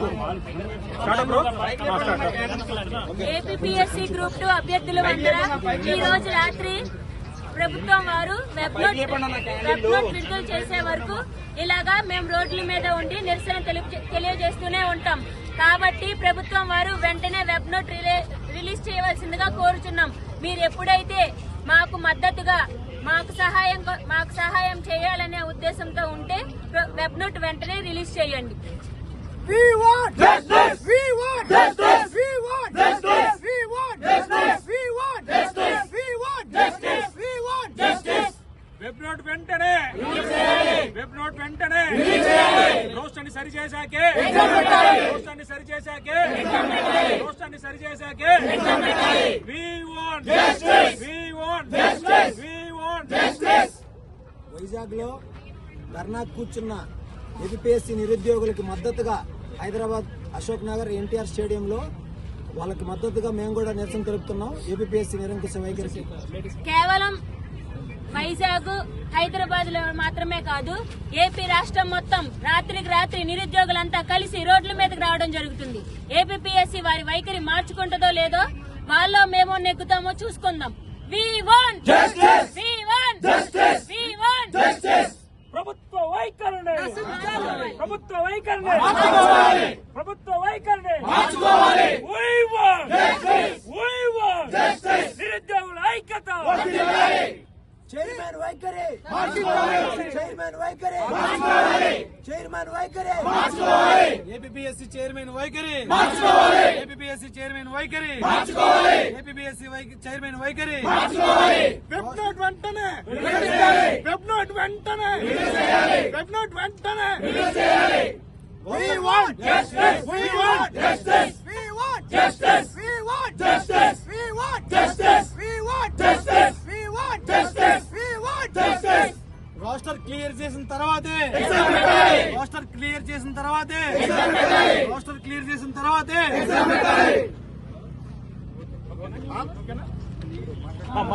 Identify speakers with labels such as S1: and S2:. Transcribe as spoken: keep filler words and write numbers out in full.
S1: APSC group two అభ్యర్థుల వద్ద ఈ రోజు రాత్రి ప్రభుత్వం వారు వెబ్ నోట్ వెబ్ నోట్ విడుదల చేసే వరకు ఇలాగా మేము రోడ్ల మీద ఉండి నిరసన తెలియజేస్తూనే ఉంటాం. కాబట్టి ప్రభుత్వం వారు వెంటనే వెబ్ నోట్ రిలీజ్ చేయవలసిందిగా కోరుచున్నాం. మీరు ఎప్పుడైతే మాకు మద్దతుగా మాకు సహాయం మాకు సహాయం చేయాలనే ఉద్దేశంతో ఉంటే వెబ్ నోట్ వెంటనే రిలీజ్ చేయండి.
S2: We want justice. We want justice. We want justice. We want justice. We want justice. We want justice. We want justice.
S3: Web note వెంటనే వెబ్ నోట్ వెంటనే రోస్టాన్ని సరి చేశాకే రోస్టాన్ని సరి చేశాకే రోస్టాన్ని సరి చేశాకే We want justice. We want justice. We want justice.
S2: Vizag లో ధర్నా కూర్చున్న APSC నిరుద్యోగులకి మద్దతుగా హైదరాబాద్ అశోక్ నగర్ ఎన్టీఆర్ స్టేడియంలో వాళ్ళకి మద్దతుగా మేము కూడా నిరసన తెలుపుతున్నాం. ఏపీఎస్సీ నిరంకుశ వైఖరికి
S1: కేవలం వైజాగ్ హైదరాబాద్ లో మాత్రమే కాదు, ఏపీ రాష్ట్రం మొత్తం రాత్రికి రాత్రి నిరుద్యోగులంతా కలిసి రోడ్ల మీదకి రావడం జరుగుతుంది. ఏపీఎస్సీ వారి వైఖరి మార్చుకుంటుందో లేదో వాళ్ళలో మేము నెగ్గుతామో చూసుకుందాం. We want justice. We want justice. We want justice.
S3: ప్రభుత్వ వైఖరిని ప్రభుత్వ వైఖరిని ప్రభుత్వ వైఖరిని We want justice. We want justice. నిరుద్యోగుల ఐక్యత
S2: చైర్మన్ వైఖరి చైర్మన్ వైఖరి చైర్మన్ వైఖరి
S4: ఏపీఎస్సీ చైర్మన్ వైఖరి ఏపీఎస్సీ చైర్మన్ వైఖరి ఏపీఎస్సీ చైర్మన్ వైఖరి
S3: వెబ్ నోట్ వెంటనే వెబ్ నోట్ వెంటనే వెబ్ నోట్ వెంటనే
S2: We want justice. We want justice. We want justice. We want justice. We want justice. We want justice. We want justice. We want justice.
S4: Roster clear చేసిన తర్వాతే roster clear చేసిన తర్వాతే roster clear చేసిన తర్వాతే